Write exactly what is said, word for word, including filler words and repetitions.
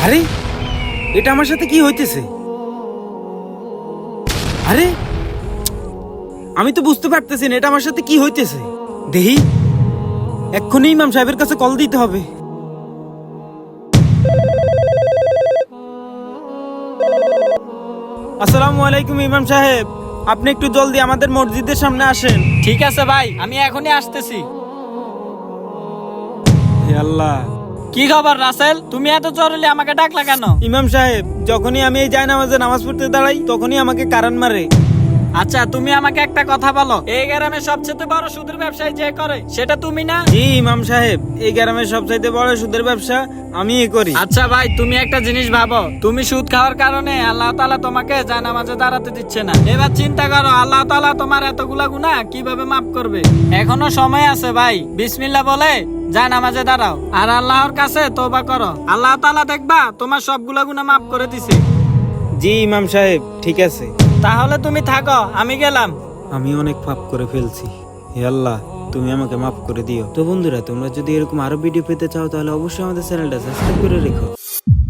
আরে এটা আমার সাথে কি হইতেছে? আরে আমি তো বুঝতে পারতেছি না এটা আমার সাথে কি হইতেছে। দেহি এক্ষুনি ইমাম সাহেবের কাছে কল দিতে হবে। আসসালামু আলাইকুম ইমাম সাহেব, আপনি একটু জলদি আমাদের মসজিদের সামনে আসেন। ঠিক আছে ভাই, আমি এখনই আসতেছি। হে আল্লাহ। কি খবর রাসেল, তুমি এত জরুরি আমাকে ডাকলা কেন? ইমাম সাহেব, যখনই আমি এই জায়নামাজে নামাজ পড়তে দাঁড়াই তখনই আমাকে কারান মারে। আচ্ছা তুমি আমাকে একটা কথা বলো, এই গ্রামে সবচেয়ে বড় সুদের ব্যবসায়ী যে করে সেটা তুমি না? জি ইমাম সাহেব, এই গ্রামের সবচাইতে বড় সুদের ব্যবসা আমিই করি। আচ্ছা ভাই, তুমি একটা জিনিস ভাবো, তুমি সুদ খাওয়ার কারণে আল্লাহ তাআলা তোমাকে জায়নামাজে দাঁড়াতে দিচ্ছে না। এবার চিন্তা করো আল্লাহ তাআলা তোমার এতগুলা গুনাহ কিভাবে মাফ করবে। এখনো সময় আছে ভাই, বিসমিল্লাহ বলে জায়নামাজে দাঁড়াও আর আল্লাহর কাছে তওবা করো। আল্লাহ তাআলা দেখবা তোমার সবগুলা গুনাহ মাফ করে দিছে। জি ইমাম সাহেব, ঠিক আছে। তাহলে তুমি থাকো, আমি গেলাম। আমি অনেক পাপ করে ফেলছি, হে আল্লাহ তুমি আমাকে মাফ করে দিও। তো বন্ধুরা, তোমরা যদি এরকম আরো ভিডিও পেতে চাও তাহলে অবশ্যই আমাদের চ্যানেলটা সাবস্ক্রাইব করে রেখো।